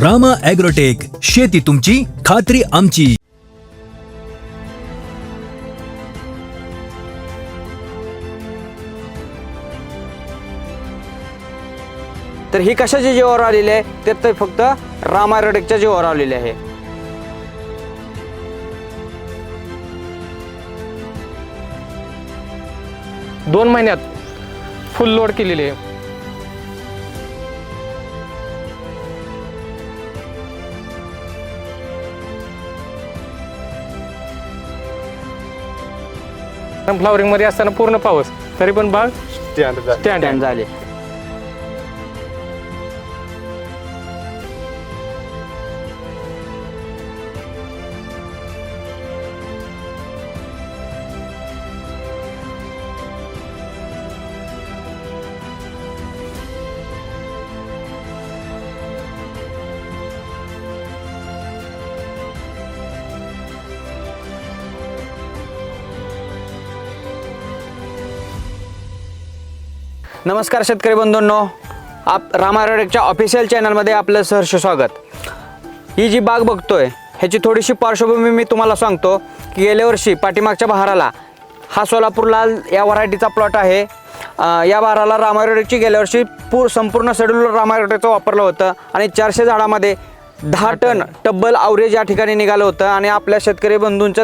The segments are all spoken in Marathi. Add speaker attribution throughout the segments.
Speaker 1: रामा ॲग्रोटेक, शेती तुमची, खात्री आमची.
Speaker 2: तर ही कशाच्या जीवावर आलेली आहे तर फक्त रामा ॲग्रोटेकच्या जीवावर आलेली आहे.
Speaker 3: दोन महिन्यात फुल लोड केलेली आहे. फ्लॉवरिंग मध्ये असताना पूर्ण पाऊस तरी पण बाग स्टँड
Speaker 2: झाले. नमस्कार शेतकरी बंधूंनो, रामा ॲग्रोटेकच्या ऑफिशियल चॅनलमध्ये आपलं सहर्ष स्वागत. ही जी बाग बघतोय ह्याची थोडीशी पार्श्वभूमी मी तुम्हाला सांगतो की गेल्या वर्षी पाठीमागच्या बहाराला हा सोलापूर लाल या व्हरायटीचा प्लॉट आहे. या बहाराला रामा ॲग्रोटेकची गेल्या वर्षी संपूर्ण शेड्यूल रामा ॲग्रोटेकचं वापरलं होतं आणि 400 झाडामध्ये 10 टन टब्बल ॲव्हरेज या ठिकाणी निघालं होतं आणि आपल्या शेतकरी बंधूंचं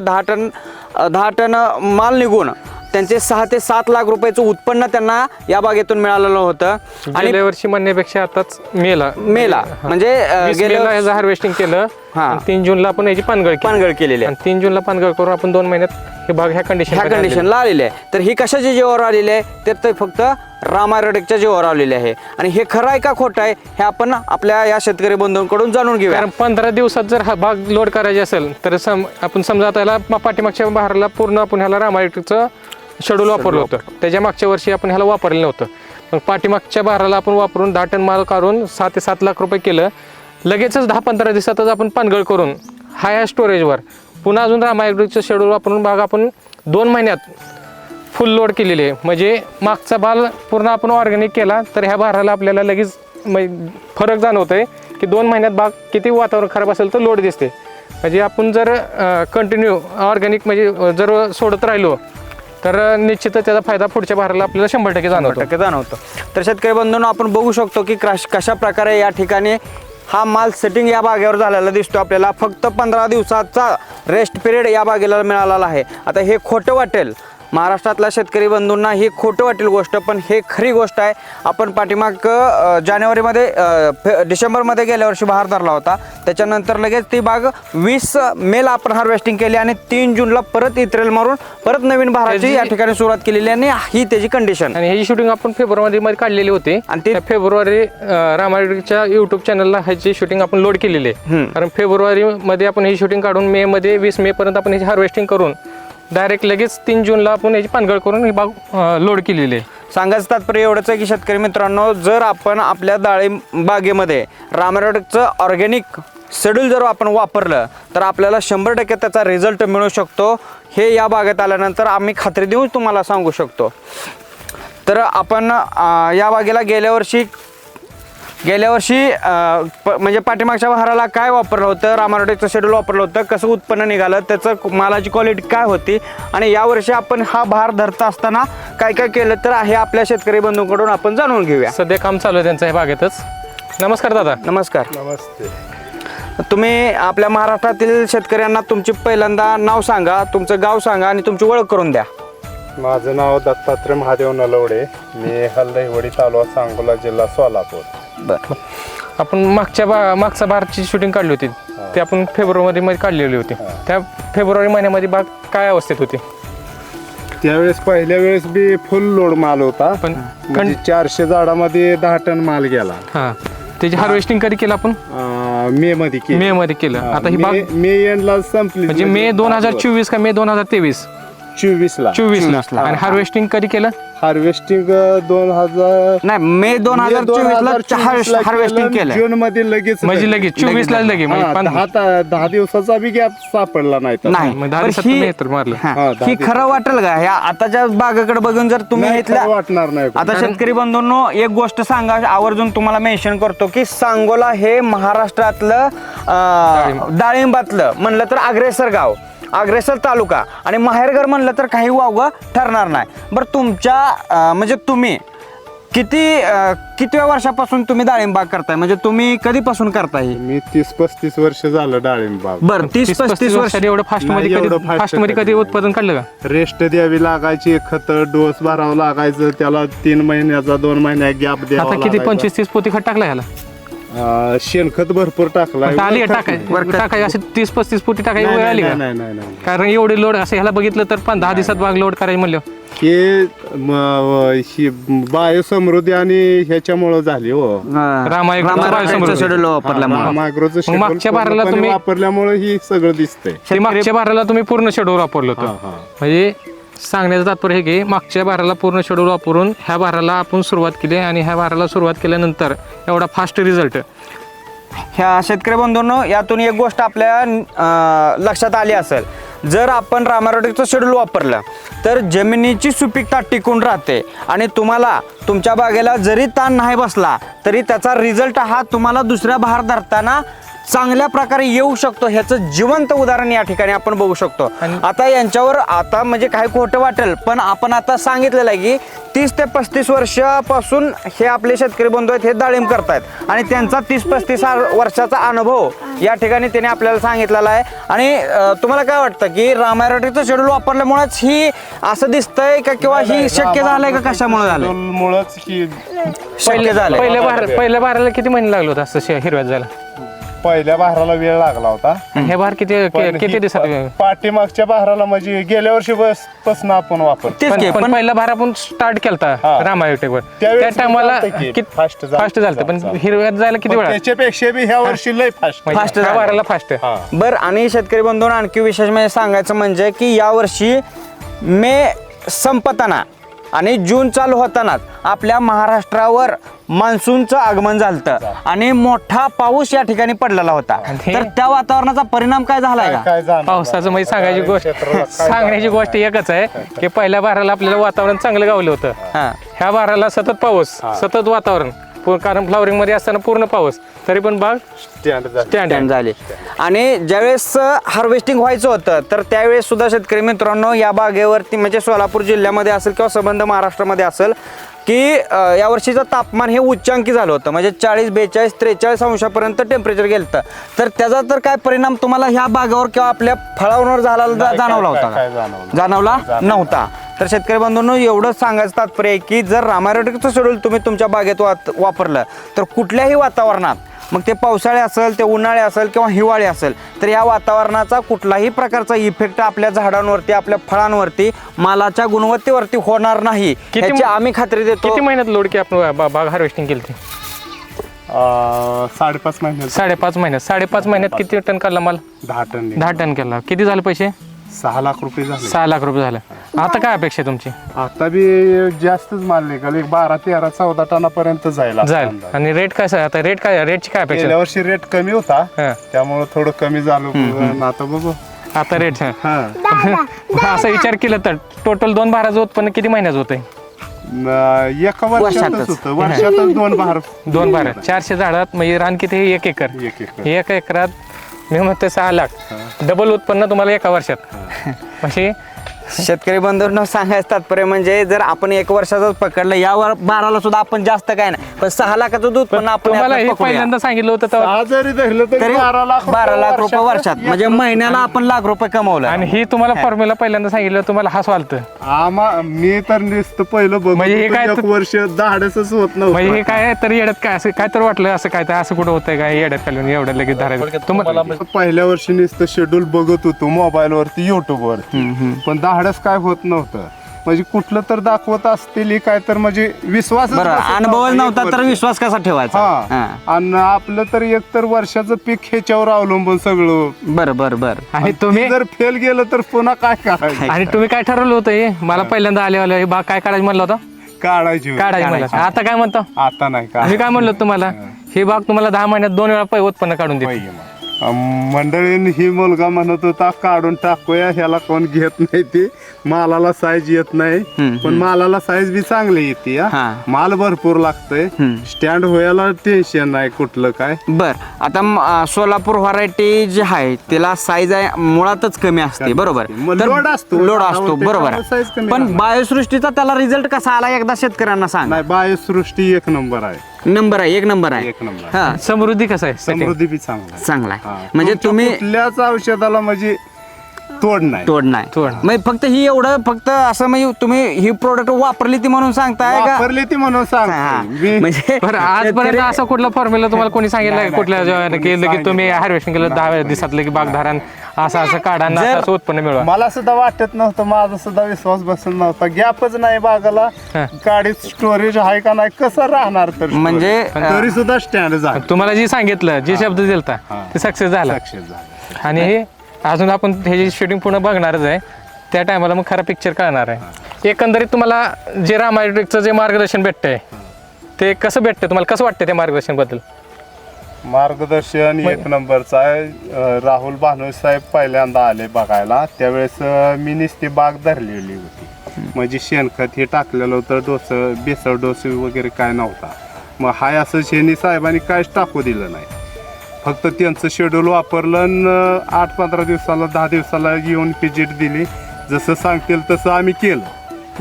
Speaker 2: 10 टन माल निघून त्यांचे 6 ते 7 लाख रुपयाचं उत्पन्न त्यांना या बागेतून मिळालेलं होतं. आणि
Speaker 3: गेल्या वर्षी म्हणण्यापेक्षा आताच मेला
Speaker 2: म्हणजे
Speaker 3: गेल्या हार्वेस्टिंग केलं. 3 जूनला आपण याची पानगळ केलेली आहे. 3 जूनला पानगळ करून आपण 2 महिन्यात हे बाग ह्या कंडिशनला
Speaker 2: आलेले आहे. तर ही कशाच्या जीवावर आलेली आहे तर फक्त रामा ॲग्रोटेकच्या जीवावर आलेले आहे. आणि हे खरं आहे का खोटं आहे हे आपण आपल्या या शेतकरी बंधूंकडून जाणून घेऊया.
Speaker 3: कारण 15 दिवसात जर हा बाग लोड करायची असेल तर आपण समजा त्याला पाठीमागच्या बहाराला पूर्ण आपण ह्याला रामा ॲग्रोटेकचं शेड्यूल वापरलं होतं. त्याच्या मागच्या वर्षी आपण ह्याला वापरलेलं नव्हतं. मग पाठीमागच्या बहाराला आपण वापरून 10 टन माल काढून 6 ते 7 लाख रुपये केलं. लगेचच 10-15 दिवसातच आपण पानगळ करून हाय स्टोरेजवर पुन्हा अजून रामा ॲग्रोटेकचं शेड्यूल वापरून बाग आपण 2 महिन्यात फुल लोड केलेली आहे. म्हणजे मागचा बाल पूर्ण आपण ऑर्गॅनिक केला तर ह्या बहाराला आपल्याला लगेच फरक जाणवत आहे की 2 महिन्यात बाग किती वातावरण खराब असेल तर लोड दिसते. म्हणजे आपण जर कंटिन्यू ऑर्गॅनिक म्हणजे जर सोडत राहिलो तर निश्चितच त्याचा फायदा पुढच्या बहाराला आपल्याला 100% जाणवतो.
Speaker 2: तर शेतकरी बंधूंनो, आपण बघू शकतो की कशा प्रकारे या ठिकाणी हा माल सेटिंग या बागेवर झालेला दिसतो आपल्याला. फक्त 15 दिवसाचा रेस्ट पिरियड या बागेला मिळालेला आहे. आता हे खोटं वाटेल महाराष्ट्रातल्या शेतकरी बंधूंना, ही खोटं वाटेल गोष्ट, पण हे खरी गोष्ट आहे. आपण पाठीमाग जानेवारीमध्ये डिसेंबरमध्ये गेल्या वर्षी बहार धरला होता. त्याच्यानंतर लगेच ती बाग 20 मेला आपण हार्वेस्टिंग केली आणि 3 जूनला परत इत्रेल मारून परत नवीन बहाराची या ठिकाणी सुरुवात केलेली आणि ही त्याची कंडिशन.
Speaker 3: आणि ह्याची शूटिंग आपण फेब्रुवारीमध्ये काढलेली होती आणि ते फेब्रुवारी रामा ॲग्रोटेकच्या युट्यूब चॅनलला ह्याची शूटिंग आपण लोड केलेली आहे. कारण फेब्रुवारीमध्ये आपण ही शूटिंग काढून मेमध्ये 20 मे पर्यंत आपण ह्याची हार्वेस्टिंग करून डायरेक्ट लगेच 3 जूनला आपण याची पानगळ करून ही बाग लोड केलेली आहे.
Speaker 2: सांगायचं तात्पर्य एवढंच आहे की शेतकरी मित्रांनो, जर आपण आपल्या डाळिंब बागेमध्ये रामा ॲग्रोटेकचं ऑर्गॅनिक शेड्यूल जर आपण वापरलं तर आपल्याला 100% त्याचा रिझल्ट मिळू शकतो. हे या बागेत आल्यानंतर आम्ही खात्री देऊन तुम्हाला सांगू शकतो. तर आपण या बागेला गेल्या वर्षी म्हणजे पाठीमागच्या बहाराला काय वापरलं होतं, रामा ॲग्रोटेकचं शेड्यूल वापरलं होतं, कसं उत्पन्न निघालं, त्याचं मालाची क्वालिटी काय होती आणि यावर्षी आपण हा बहार धरता असताना काय काय केलं तर हे आपल्या शेतकरी बंधूंकडून आपण जाणून घेऊया.
Speaker 3: सध्या काम चालू आहे त्यांचं हे बागेतच. नमस्कार दादा.
Speaker 2: नमस्कार.
Speaker 4: नमस्ते.
Speaker 2: तुम्ही आपल्या महाराष्ट्रातील शेतकऱ्यांना तुमची पहिल्यांदा नाव सांगा, तुमचं गाव सांगा आणि तुमची ओळख करून द्या.
Speaker 4: माझं नाव दत्तात्रय महादेव नलवडे. मी हलदहीवडी तालुका सांगोला, जिल्हा सोलापूर.
Speaker 2: बरं.
Speaker 3: आपण मागच्या बारची शूटिंग काढली होती ती आपण फेब्रुवारीमध्ये काढलेली होती. त्या फेब्रुवारी महिन्यामध्ये बाग काय अवस्थेत होती?
Speaker 4: त्यावेळेस पहिल्या वेळेस बी फुल लोड माल होता,
Speaker 3: पण
Speaker 4: म्हणजे 400 झाडामध्ये 10 टन माल गेला.
Speaker 3: हा, त्याची हार्वेस्टिंग कधी केलं आपण?
Speaker 4: मे मध्ये केली.
Speaker 3: मे मध्ये केलं. आता ही बाग
Speaker 4: मे एंडला संपली,
Speaker 3: म्हणजे मे 2024 का मे 2023?
Speaker 4: 24 ला.
Speaker 3: आणि हार्वेस्टिंग कधी केलं?
Speaker 4: हार्वेस्टिंग 2000
Speaker 2: नाही मे 2024 ला हार्वेस्टिंग केलं.
Speaker 4: जून मध्ये लगेच
Speaker 3: म्हणजे लगेच 24 ला लगेच म्हणजे
Speaker 4: 10 दिवसाचा बी गॅप सापडला नाही तर.
Speaker 2: नाही
Speaker 3: मग 10
Speaker 2: पण
Speaker 3: दिवसात
Speaker 2: ही-
Speaker 3: तुम्ही तर मारलं.
Speaker 2: हा,
Speaker 4: हा, 10
Speaker 2: ही खरं वाटेल का ह्या आताच्या बागाकडे बघून जर तुम्ही
Speaker 4: नाही,
Speaker 2: इथल्या
Speaker 4: खरं वाटणार नाही.
Speaker 2: आता शेतकरी बंधूंनो एक गोष्ट सांगा आवर्जून तुम्हाला मेन्शन करतो की सांगोला हे महाराष्ट्रातलं डाळिंबातलं म्हणलं तर अग्रेसर गाव, अग्रेसर तालुका आणि माहेरघर म्हणलं तर काही वावगं ठरणार नाही. बरं तुमच्या म्हणजे तुम्ही कितव्या वर्षापासून तुम्ही डाळिंब बाग करताय, म्हणजे तुम्ही कधीपासून करताय?
Speaker 4: मी 30-35 वर्ष झालं डाळिंब बाग.
Speaker 2: बरं 30-35 वर्ष
Speaker 3: एवढं फास्ट
Speaker 4: नाही,
Speaker 3: मध्ये
Speaker 4: एवढं
Speaker 3: कधी
Speaker 4: fast
Speaker 3: फास्ट मध्ये कधी
Speaker 4: कधी
Speaker 3: उत्पादन काढलं का?
Speaker 4: रेस्ट द्यावी लागायची, खत डोस भरावं लागायचं, त्याला 3 महिन्याचा 2 महिन्या गॅप द्यावा
Speaker 3: आता किती
Speaker 4: लागायचा.
Speaker 3: 25-30 पोती खत टाकला ह्याला?
Speaker 4: शेणखत भरपूर टाकलाय.
Speaker 3: आली टाकाय असे 30-35 पोती टाकायची वेळ आली का?
Speaker 4: नाही
Speaker 3: कारण एवढे लोड असं ह्याला बघितलं तर 10 दिवसात बाग लोड करायची म्हणलं.
Speaker 4: ही बायोसमृद्धी आणि ह्याच्यामुळं झाली हो.
Speaker 3: रामायणाचं
Speaker 2: शेड्यूल वापरल्यामुळे
Speaker 4: मायक्रोचं
Speaker 3: मग मागच्या बाराला
Speaker 4: schedule
Speaker 3: तुम्ही-
Speaker 4: वापरल्यामुळे ही सगळं दिसतंय.
Speaker 3: ते मागच्या बाराला तुम्ही पूर्ण शेड्यूल वापरलं होतं.
Speaker 4: हा.
Speaker 3: म्हणजे सांगण्याचं तात्पर्य हे की मागच्या बाराला पूर्ण शेड्यूल वापरून ह्या बाराला आपण सुरुवात केली आणि ह्या बाराला सुरुवात केल्यानंतर एवढा फास्ट रिझल्ट.
Speaker 2: ह्या शेतकरी बंधूंनो यातून एक गोष्ट आपल्या लक्षात आली असेल, जर आपण रामारोटेकचं शेड्यूल वापरलं तर जमिनीची सुपीकता टिकून राहते आणि तुम्हाला तुमच्या बागेला जरी ताण नाही बसला तरी त्याचा रिझल्ट हा तुम्हाला दुसऱ्या बहार धरताना चांगल्या प्रकारे येऊ शकतो. ह्याचं जिवंत उदाहरण या ठिकाणी आपण बघू शकतो. आता यांच्यावर आता म्हणजे काही खोटं वाटेल पण आपण आता सांगितलेलं आहे की 30 ते 35 वर्षापासून हे आपले शेतकरी बंधू आहेत हे डाळिंब करतायत आणि त्यांचा 30-35 वर्षाचा अनुभव या ठिकाणी त्याने आपल्याला सांगितलेला आहे. आणि तुम्हाला काय वाटतं की रामायरोटेकचं शेड्यूल वापरल्यामुळेच ही असं दिसतंय का किंवा ही शक्य झालंय का कशामुळे झालंय?
Speaker 4: मुळेच ही
Speaker 2: शक्य झालंय.
Speaker 3: पहिल्या बाराला किती महिने लागले होते असं हिरव्यात जायला?
Speaker 4: पहिल्या बहाराला वेळ लागला होता.
Speaker 3: हे बार किती दिवसात?
Speaker 4: पाठीमागच्या बहाराला म्हणजे गेल्या वर्षी पासून आपण वापरतो.
Speaker 2: तेच की,
Speaker 3: पण पहिला भार आपण स्टार्ट केलता
Speaker 4: हा.
Speaker 3: रामायोटेकवर त्या
Speaker 4: त्यावेळेस
Speaker 3: टायमाला
Speaker 4: चालतंय की,
Speaker 3: किती
Speaker 4: fast झालं.
Speaker 3: फास्ट झालं पण हिरव्यात जायला किती वेळा?
Speaker 4: त्याच्यापेक्षा बी ह्या वर्षी लय फास्ट.
Speaker 2: Fast
Speaker 3: ह्या
Speaker 2: झालं.
Speaker 3: बाराला फास्ट.
Speaker 2: बर आणि शेतकरी बंधूंना आणखी विशेष म्हणजे सांगायचं म्हणजे की यावर्षी मे संपताना आणि जून चालू होतानाच आपल्या महाराष्ट्रावर मान्सूनचं आगमन झालं आणि मोठा पाऊस या ठिकाणी पडलेला होता.
Speaker 3: आणि
Speaker 2: तर त्या वातावरणाचा परिणाम काय झालाय का?
Speaker 4: काय जाणार?
Speaker 3: पावसाचं म्हणजे सांगायची गोष्ट
Speaker 4: क्षेत्राला काय
Speaker 3: सांगण्याची गोष्ट एकच आहे की पहिल्या बाराला आपल्याला वातावरण चांगलं गावलं होतं.
Speaker 2: हा.
Speaker 3: ह्या बाराला सतत पाऊस, सतत वातावरण, कारण फ्लॉवरिंग मध्ये असताना पूर्ण पाऊस तरी पण बाग
Speaker 4: स्टँड झालं.
Speaker 3: स्टँड
Speaker 2: Stand झाली. आणि ज्यावेळेस हार्वेस्टिंग व्हायचं होतं तर त्यावेळेस सुद्धा शेतकरी मित्रांनो या बागेवरती म्हणजे सोलापूर जिल्ह्यामध्ये असेल किंवा संबंध महाराष्ट्रामध्ये असेल की यावर्षीचं तापमान हे उच्चांकी झालं होतं, म्हणजे 40, 42, 43 अंशापर्यंत टेम्परेचर गेलं. तर त्याचा तर काय परिणाम तुम्हाला ह्या बागावर किंवा आपल्या फळांवर जाणवला होता
Speaker 4: काय
Speaker 2: का?
Speaker 4: जाणवलं?
Speaker 2: जाणवला नव्हता. तर शेतकरी बंधूंनो एवढंच सांगायचं तात्पर्य आहे की जर रामायरोटेकचं शेड्यूल तुम्ही तुमच्या बागेत वापरलं तर कुठल्याही वातावरणात, मग ते पावसाळे असेल, ते उन्हाळे असेल किंवा हिवाळे असेल, तर या वातावरणाचा कुठलाही प्रकारचा इफेक्ट आपल्या झाडांवरती, आपल्या फळांवरती, मालाच्या गुणवत्तेवरती होणार नाही याची आम्ही खात्री देतो.
Speaker 3: किती महिन्यात लोड की आपण बाग हार्वेस्टिंग केली?
Speaker 4: 5.5 महिन्यात
Speaker 3: 5.5 महिन्यात. 5.5 महिन्यात किती टन काढला माल?
Speaker 4: 10 टन
Speaker 3: 10 टन केला. किती झाले पैसे?
Speaker 4: 6 लाख रुपये झाले.
Speaker 3: 6 लाख रुपये झाले. आता काय अपेक्षा आहे तुमची?
Speaker 4: आता बी जास्तच माल निघाल, 12, 13, 14 टनापर्यंत जाईल.
Speaker 3: जाईल. आणि रेट काय आता रेटची काय अपेक्षा?
Speaker 4: गेल्या वर्षी रेट कमी होता
Speaker 3: हा.
Speaker 4: त्यामुळे थोडं कमी झालं. आता बघू.
Speaker 3: आता रेट
Speaker 4: हा.
Speaker 3: असा विचार केला तर टोटल 2 भाराचं उत्पन्न किती महिन्याचं होतंय?
Speaker 4: एका वर्षातच होतं. वर्षातच 2 बहार.
Speaker 3: 2 भार 400 झाडात म्हणजे रान किती? 1 एकर.
Speaker 4: 1 एकर.
Speaker 3: 1 एकरात मी म्हणतो 6 लाख डबल उत्पन्न तुम्हाला एका वर्षात. म्हणजे
Speaker 2: शेतकरी बंधूंना सांगायचं तात्पर्य म्हणजे जर आपण 1 वर्षाचाच पकडलं या बाराला सुद्धा आपण जास्त काय नाही पण 6 लाखाचं दूध पण आपण
Speaker 3: तुम्हाला हे
Speaker 2: यातनं पकडूया.
Speaker 3: पहिल्यांदा सांगितलं होतं तेव्हा.
Speaker 4: 6 जरी धरलं तरी
Speaker 2: तरी 12 लाख रुपये वर्षात म्हणजे महिन्याला आपण लाख रुपये कमवलं.
Speaker 3: आणि ही तुम्हाला फॉर्म्युला पहिल्यांदा सांगितलं तुम्हाला हसू आलतं.
Speaker 4: मी तर नुसतं पहिलं बघ
Speaker 3: म्हणजे हे काय
Speaker 4: 1 वर्ष धाडसच होत
Speaker 3: म्हणजे हे
Speaker 4: नव्हतं.
Speaker 3: काय तर येड्यात काय असं काय तर वाटलं असं काय तर असं कुठं होतंय काय येड्यात खालून एवढं लगेच धरायचं तुम्हाला.
Speaker 4: पहिल्या वर्षी नुसतं शेड्यूल बघत होतो मोबाईल वरती, युट्यूब वरती, पण धाडस काय होत नव्हतं. म्हणजे कुठलं तर दाखवत असतील काय तर म्हणजे विश्वास
Speaker 2: बरं, अनुभवच नव्हता तर विश्वास कसा ठेवायचा?
Speaker 4: हा आणि आपलं तर एक तर वर्षाचं पीक ह्याच्यावर अवलंबून सगळं.
Speaker 2: बरं बरं बरं.
Speaker 3: आणि तुम्ही
Speaker 4: जर फेल गेलं तर पुन्हा काय करायचं?
Speaker 3: आणि तुम्ही काय ठरवलं होतं हे मला पहिल्यांदा आले बाग काय काढायचं म्हणलं होतं?
Speaker 4: काढायची होती.
Speaker 3: काढायचं म्हणलं. आता काय म्हणतो?
Speaker 4: आता नाही का
Speaker 3: मी काय म्हणलो तुम्हाला, ही बाग तुम्हाला 10 महिन्यात 2 वेळा उत्पन्न काढून देते.
Speaker 4: मंडळीने ही मुलगा म्हणत होता काढून टाकूया, ह्याला कोण घेत नाही, ते मालाला साईज येत नाही. पण मालाला साईज बी चांगली येते.
Speaker 2: हा.
Speaker 4: माल भरपूर लागतोय, स्टँड व्हायला टेन्शन नाही कुठलं काय.
Speaker 2: बर, आता सोलापूर व्हरायटी जी आहे तिला साईज आहे मुळातच कमी असते, बरोबर?
Speaker 4: मग
Speaker 2: तर
Speaker 4: लोड असतो.
Speaker 2: लोड असतो, बरोबर
Speaker 4: त्यामुळे size
Speaker 2: आहे.
Speaker 4: कमी
Speaker 2: पण
Speaker 4: राहणार.
Speaker 2: बायोसृष्टीचा त्याला रिझल्ट कसा आला एकदा शेतकऱ्यांना सांग.
Speaker 4: नाही, बायोसृष्टी एक नंबर आहे.
Speaker 2: नंबर आहे, एक नंबर आहे.
Speaker 4: एक नंबर आहे.
Speaker 2: हा,
Speaker 3: समृद्धी कसं आहे?
Speaker 4: समृद्धी बी चांगला आहे.
Speaker 2: चांगला आहे.
Speaker 4: हा.
Speaker 2: म्हणजे
Speaker 4: तुमच्या
Speaker 2: तुम्ही
Speaker 4: कुठल्याच औषधाला म्हणजे तोड नाही.
Speaker 2: तोड नाही.
Speaker 3: तोड.
Speaker 2: म्हणजे फक्त ही एवढं फक्त असं म्हणजे तुम्ही ही प्रोडक्ट वापरली ती म्हणून सांगताय का?
Speaker 4: वापरली ती म्हणून
Speaker 2: हा.
Speaker 4: सांग.
Speaker 2: म्हणजे
Speaker 3: बरं, आजपर्यंत
Speaker 2: शेतकरी-
Speaker 3: असा कुठला फॉर्म्युला तुम्हाला कोणी सांगितलं
Speaker 4: नाही,
Speaker 3: कुठल्या
Speaker 4: कोणी
Speaker 3: केलं की तुम्ही
Speaker 4: सांगितलं.
Speaker 3: हार्वेस्टिंग केलं 10 दिवसातलं की बागधारण असं काढा आणि
Speaker 2: जर-
Speaker 3: असं उत्पन्न मिळवा?
Speaker 4: मला सुद्धा वाटत नव्हतं, माझा सुद्धा विश्वास बसत नव्हता. गॅपच नाही बागाला,
Speaker 3: हा.
Speaker 4: गाडीत स्टोरेज आहे का नाही, कसं राहणार तर
Speaker 2: म्हणजे,
Speaker 4: तरी सुद्धा स्टँड झालं.
Speaker 3: तुम्हाला जे सांगितलं, जे शब्द दिलता
Speaker 4: हा.
Speaker 3: ते सक्सेस झाला.
Speaker 4: सक्सेस झालं.
Speaker 3: आणि हे अजून आपण ह्याची शूटिंग पूर्ण बघणारच आहे. त्या टायमाला मग खरा पिक्चर कळणार आहे. एकंदरीत तुम्हाला जे रामायटिकचं जे मार्गदर्शन भेटतंय ते कसं भेटतं, तुम्हाला कसं वाटतं त्या मार्गदर्शन बद्दल?
Speaker 4: मार्गदर्शन एक नंबरचं आहे. राहुल भानोस साहेब पहिल्यांदा आले बघायला, त्यावेळेस मी नुसती बाग धरलेली होती. म्हणजे शेणखत हे टाकलेलं होतं, बेसळ डोस वगैरे काय नव्हता. मग हाय असं शेणी साहेबांनी काहीच टाकू दिलं नाही. फक्त त्यांचं शेड्यूल वापरलं आणि 8-15 दिवसाला 10 दिवसाला येऊन व्हिजिट दिली. जसं सांगतील तसं आम्ही केलं.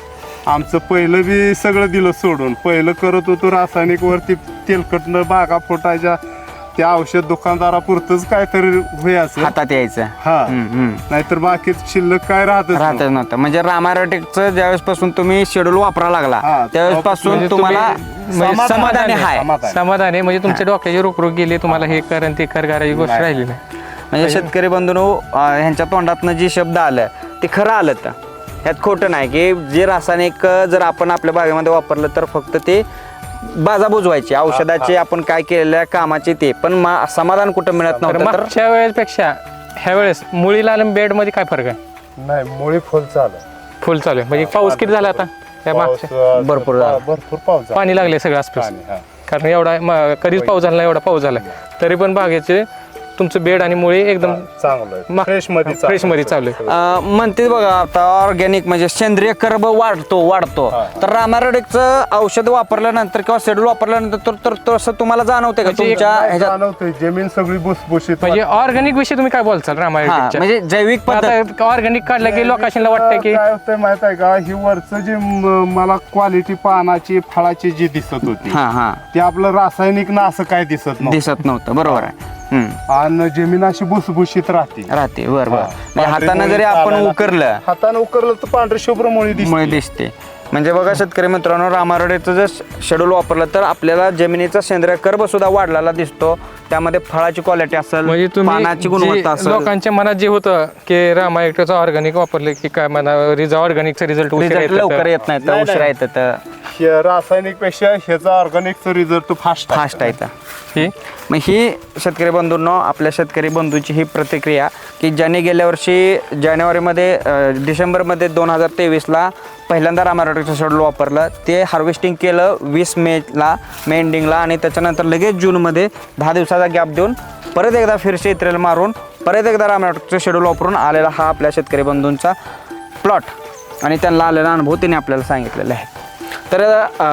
Speaker 4: आमचं पहिलं बी सगळं दिलं सोडून. पहिलं करत होतो रासायनिक वरती तेलकटनं बागा फुटायच्या, त्या औषध दुकानदारापुरतच काहीतरी व्हायचं
Speaker 2: हातात यायचं.
Speaker 4: हा.
Speaker 2: हम्म.
Speaker 4: नाहीतर बाकीच शिल्लक काय राहतच
Speaker 2: राहतच नव्हतं. म्हणजे रामायरोटेकचं ज्यावेळेस पासून तुम्ही शेड्यूल वापरायला लागला
Speaker 4: हा,
Speaker 2: त्यावेळेस पासून
Speaker 3: म्हणजे
Speaker 2: तुम्हाला
Speaker 3: म्हणजे
Speaker 2: समाधानी आहे.
Speaker 3: समाधान आहे. म्हणजे तुमच्या डोक्याची रोखरोख गेली, तुम्हाला हे कर आणि ते कर करायची गोष्ट
Speaker 4: नाही.
Speaker 3: राहिली नाही.
Speaker 2: म्हणजे शेतकरी बंधूंनो, ह्यांच्या तोंडातनं जे शब्द आलं ते खरं आलं. तर ह्यात खोटं नाही की जे रासायनिक जर आपण आपल्या बागेमध्ये वापरलं तर फक्त ते बाजा बुजवायची औषधाचे, आपण काय केलेल्या कामाचे ते, पण समाधान कुठं मिळत
Speaker 3: तर
Speaker 2: नव्हतं. तर
Speaker 3: मागच्या वेळेसपेक्षा ह्या वेळेस मुळीला आणि बेड मध्ये काय फरक आहे?
Speaker 4: नाही. मुळे फुल चालू.
Speaker 3: फुल चालू आहे. म्हणजे पाऊस किती झाला आता त्या मागच्या?
Speaker 2: भरपूर झाला.
Speaker 4: भरपूर पाऊस झाला.
Speaker 3: पाणी लागले सगळं आसपास.
Speaker 4: पाणी, हा.
Speaker 3: कारण एवढा कधीच पाऊस झाला नाही, एवढा पाऊस झाला. तरी पण बागेचे तुमचं बेड आणि मुळी एकदम
Speaker 4: चांगलं फ्रेश मध्ये
Speaker 3: चालू आहे.
Speaker 2: म्हणते बघा, आता ऑर्गॅनिक म्हणजे सेंद्रिय कर्ब वाढतो. तर रामायरोटेकचं औषध वापरल्यानंतर किंवा शेड्यूल वापरल्यानंतर तर तसं तुम्हाला जाणवते का
Speaker 3: म्हणजे
Speaker 2: तुमच्या ह्याच्यात?
Speaker 4: जाणवतंय. जमीन सगळी भुसभुशीत
Speaker 3: म्हणजे ऑर्गॅनिक विषयी तुम्ही काय बोलचाल
Speaker 2: हा,
Speaker 3: रामायणच्या?
Speaker 2: म्हणजे जैविक पद्धत.
Speaker 3: ऑर्गॅनिक काढलं की लोकांना वाटतं की
Speaker 4: काय होतंय माहित आहे का, ही वरचं जे मला क्वालिटी पानाची फळाची जी दिसत होती
Speaker 2: हा
Speaker 4: ते आपलं रासायनिक ना असं काय दिसत नव्हतं.
Speaker 2: दिसत नव्हतं, बरोबर आहे.
Speaker 4: आणि जमीन अशी भुसभुशीत राहते.
Speaker 2: बरोबर.
Speaker 4: हा.
Speaker 2: म्हणजे हाताने
Speaker 4: पांढरी
Speaker 2: जरी
Speaker 4: मुळी
Speaker 2: आपण
Speaker 4: चालायला-
Speaker 2: उकरलं
Speaker 4: हाताने उकरलं तर पांढरी शुभ्र मुळी दिसते.
Speaker 2: मुळे दिसते. म्हणजे बघा शेतकरी मित्रांनो, रामारोडेचं जर शेड्यूल वापरलं तर आपल्याला जमिनीचा सेंद्रिय कर्ब सुद्धा वाढलेला दिसतो. त्यामध्ये फळाची क्वालिटी असेल,
Speaker 3: म्हणजे
Speaker 2: पानाची
Speaker 3: तुम्ही
Speaker 2: गुणवत्ता
Speaker 3: जे
Speaker 2: असेल,
Speaker 3: लोकांच्या मनात जे होतं की रामायणाचं ऑर्गॅनिक वापरले की काय म्हणा ऑर्गॅनिकचा रिझल्ट
Speaker 2: रिझल्ट लवकर येत नाही तर
Speaker 4: नाही,
Speaker 2: उशिरा
Speaker 4: नाही.
Speaker 2: येतं तर
Speaker 4: हे रासायनिक पेक्षा ह्याचा ऑर्गॅनिकचा रिझल्ट फास्ट
Speaker 2: फास्ट येतं. मग ही शेतकरी बंधूंनो, आपल्या शेतकरी बंधूंची ही प्रतिक्रिया की ज्याने गेल्या वर्षी जानेवारीमध्ये डिसेंबरमध्ये 2023ला पहिल्यांदा रामारोटेकचं शेड्यूल वापरलं, ते हार्वेस्टिंग केलं 20 मेला, मे एंडिंगला, आणि त्याच्यानंतर लगेच जूनमध्ये 10 दिवसाचा गॅप देऊन परत एकदा फिरसे इत्रेल मारून परत एकदा रामारोटेकचं शेड्यूल वापरून आलेला हा आपल्या शेतकरी बंधूंचा प्लॉट आणि त्यांना आलेला अनुभव त्यांनी आपल्याला सांगितलेला आहे. तर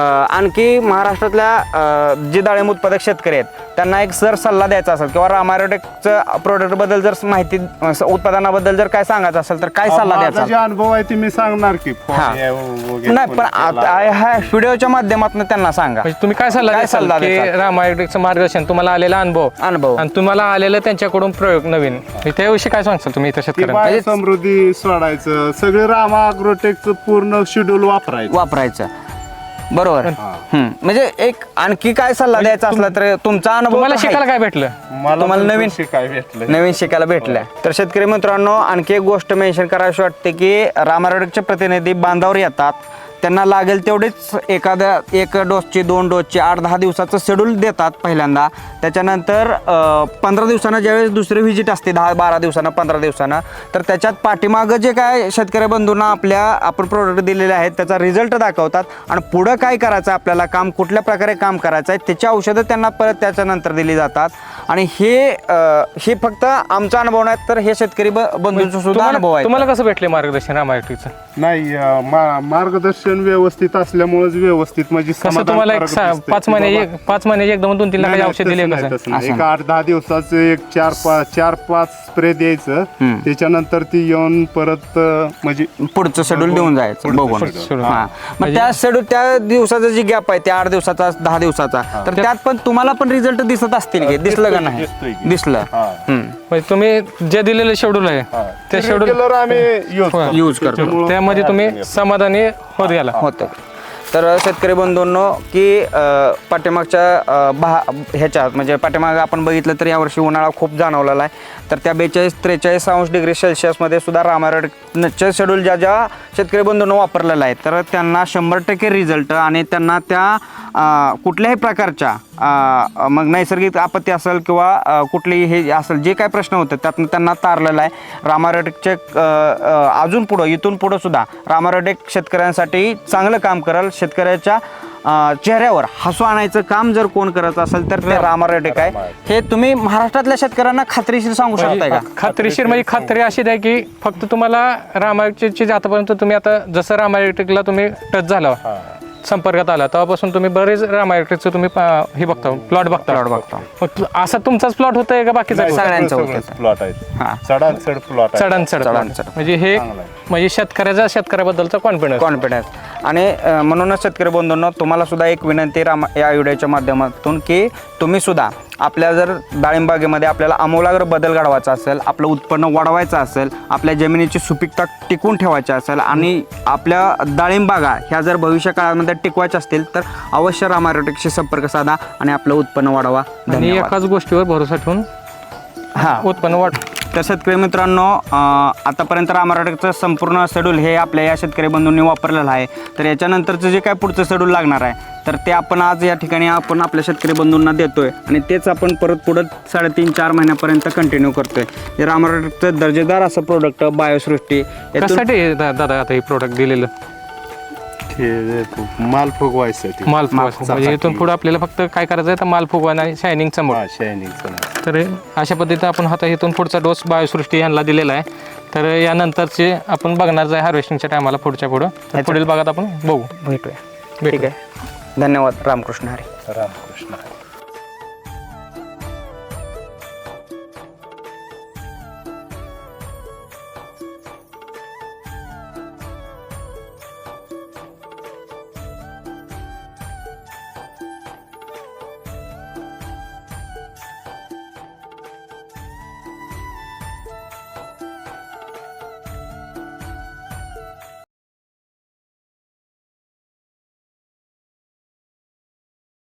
Speaker 2: आणखी महाराष्ट्रातल्या जे डाळिंब उत्पादक शेतकरी आहेत त्यांना एक सल्ला द्यायचा असेल किंवा रामायरोटेकचं प्रोडक्टबद्दल जर माहिती, उत्पादनाबद्दल जर काय सांगायचं असेल तर काय सल्ला द्यायचा?
Speaker 4: जे अनुभव आहे ते मी सांगणार की
Speaker 2: हा.
Speaker 4: वगैरे
Speaker 2: नाही, पण ह्या व्हिडिओच्या माध्यमातून त्यांना सांगा.
Speaker 3: म्हणजे तुम्ही काय सल्ला द्याल की रामायणाचं मार्गदर्शन, तुम्हाला आलेला अनुभव आणि तुम्हाला आलेलं त्यांच्याकडून प्रयोग नवीन, त्याविषयी काय सांगसाल तुम्ही इथं शेतकऱ्यांना?
Speaker 4: समृद्धी सोडायचं, सगळे रामा अग्रोटेकचं पूर्ण शेड्यूल वापरायचं.
Speaker 2: बरोबर म्हणजे एक आणखी काय सल्ला द्यायचा असला तर तुमचा अनुभव
Speaker 3: तुम्हाला
Speaker 2: तर आहे.
Speaker 3: शिकायला काय भेटलं?
Speaker 4: मला
Speaker 2: तुम्हाला
Speaker 4: भरपूर
Speaker 2: नवीन
Speaker 4: शिकाय भेटलं.
Speaker 2: नवीन शिकायला भेटल्या तर शेतकरी मित्रांनो आणखी एक गोष्ट मेन्शन करावीशी वाटते की रामारोडकचे प्रतिनिधी बांधावर येतात, त्यांना लागेल तेवढेच एखाद्या एक डोसची 2 डोसची 8-10 दिवसाचं शेड्यूल देतात पहिल्यांदा. त्याच्यानंतर 15 दिवसानं ज्यावेळेस दुसरी व्हिजिट असते 10-12 दिवसानं 15 दिवसानं, तर त्याच्यात पाठीमागं जे काय शेतकरी बंधूंना आपण प्रोडक्ट दिलेले आहेत त्याचा रिझल्ट दाखवतात आणि पुढं काय करायचं आपल्याला काम कुठल्या प्रकारे काम करायचं आहे त्याची औषधं त्यांना परत त्याच्यानंतर दिली जातात. आणि हे फक्त आमचा अनुभव नाही तर हे शेतकरी बंधूंचा सुद्धा अनुभव आहे.
Speaker 3: तुम्हाला कसं भेटले मार्गदर्शन रामायट्रिकचं?
Speaker 4: नाही मार्गदर्शन व्यवस्थित असल्यामुळेच व्यवस्थित म्हणजे
Speaker 3: कसं तुम्हाला एक
Speaker 4: समाधानकारक दिसतंय.
Speaker 3: 5 महिने एकदम 2-3
Speaker 4: नाही,
Speaker 3: लाखाचे
Speaker 4: नाही,
Speaker 3: औषध
Speaker 4: तसं
Speaker 3: दिले
Speaker 4: नाही,
Speaker 3: कसं?
Speaker 4: तसं नाही. एक 8-10 दिवसाचं एक 4-5 स्प्रे द्यायचं, त्याच्यानंतर ती येऊन परत म्हणजे
Speaker 2: पुढचं शेड्यूल देऊन जायचं
Speaker 4: पुढचं
Speaker 2: बघून.
Speaker 4: schedule.
Speaker 2: हा. मग त्या शेड्यूल त्या दिवसाचा जी गॅप आहे त्या 8 दिवसाचा 10 दिवसाचा तर त्यात पण तुम्हाला पण रिझल्ट दिसत असतील की दिसलं का नाही?
Speaker 4: दिसतोय की.
Speaker 2: दिसलं.
Speaker 4: हा.
Speaker 3: म्हणजे तुम्ही जे दिलेलं शेड्यूल आहे त्या शेड्यूल
Speaker 4: Regular आम्ही
Speaker 2: यूज करतो
Speaker 4: त्याच्यामुळं
Speaker 3: त्यामध्ये तुम्ही समाधानी होत गेला.
Speaker 2: होतं. तर शेतकरी बंधूंनो की पाठीमागच्या ह्याच्यात म्हणजे पाठीमागं आपण बघितलं तर यावर्षी उन्हाळा खूप जाणवलेला आहे. तर त्या 42-43 डिग्री सेल्सिअसमध्ये सुद्धा रामारोडचं शेड्यूल ज्या शेतकरी बंधूंनो वापरलेलं आहे तर त्यांना 100% रिझल्ट आणि त्यांना त्या कुठल्याही प्रकारच्या मग नैसर्गिक आपत्ती असेल किंवा कुठलीही हे असेल जे काय प्रश्न होते त्यातनं त्यांना तारलेलं आहे. रामारोडचे अजून पुढं इथून पुढं सुद्धा रामारोडेक शेतकऱ्यांसाठी चांगलं काम करेल. शेतकऱ्याच्या चेहऱ्यावर हसू आणायचं काम जर कोण करत असेल तर ते रामारोडेक आहे. हे तुम्ही महाराष्ट्रातल्या शेतकऱ्यांना खात्रीशीर सांगू शकताय का?
Speaker 3: खात्रीशीर म्हणजे खात्री अशी द्या की फक्त तुम्हाला रामायणची आतापर्यंत तुम्ही आता जसं रामायणला तुम्ही टच झाला संपर्कात आला तेव्हापासून तुम्ही बरेच रामायणचं तुम्ही हे बघता प्लॉट बघता. मग असा तुमचाच प्लॉट होतोय का बाकीचा?
Speaker 2: सगळ्यांचं होतं.
Speaker 4: प्लॉट आहेत, चढांचढ प्लॉट आहे.
Speaker 3: चढांचढ म्हणजे हे म्हणजे शेतकऱ्याबद्दलचा
Speaker 2: कॉन्फिडन्स. आणि म्हणूनच शेतकरी बंधूंनो तुम्हाला सुद्धा एक विनंती या व्हिडिओच्या माध्यमातून की तुम्ही सुद्धा आपल्या जर डाळिंबागेमध्ये आपल्याला आमूलाग्र बदल घडवायचा असेल, आपलं उत्पन्न वाढवायचं असेल, आपल्या जमिनीची सुपीकता टिकून ठेवायची असेल आणि आपल्या डाळिंबागा ह्या जर भविष्य काळामध्ये टिकवायच्या असतील तर अवश्य रामारोटेकशी संपर्क साधा आणि आपलं उत्पन्न वाढवा.
Speaker 3: आणि एकाच गोष्टीवर भरोसा ठेवून उत्पन्न वाढ.
Speaker 2: तर शेतकरी मित्रांनो आतापर्यंत रामारोटेकचं संपूर्ण शेड्यूल हे आपल्या या शेतकरी बंधूंनी वापरलेलं आहे. तर याच्यानंतरचं जे काय पुढचं शेड्यूल लागणार आहे तर ते आपण आज या ठिकाणी आपण आपल्या शेतकरी बंधूंना देतोय आणि तेच आपण परत पुढं 3.5-4 महिन्यापर्यंत कंटिन्यू करतोय. हे रामारोटेकचं दर्जेदार असं प्रोडक्ट बायोसृष्टी
Speaker 3: कशासाठी दादा आता हे प्रोडक्ट दिलेलं?
Speaker 4: माल फुगवायसाठी.
Speaker 3: माल फुगवा म्हणजे इथून पुढे आपल्याला फक्त काय करायचं आहे तर माल फुगवा आणि शायनिंग समोर. तर अशा पद्धतीने आपण आता इथून पुढचा डोस बायोसृष्टी यांना दिलेला आहे. तर यानंतरचे आपण बघणार आहे हार्वेस्टिंगच्या टायमाला पुढच्या पुढील भागात आपण बघू
Speaker 2: भेटूया. ठीक आहे. धन्यवाद. रामकृष्ण हरी.
Speaker 4: रामकृष्ण.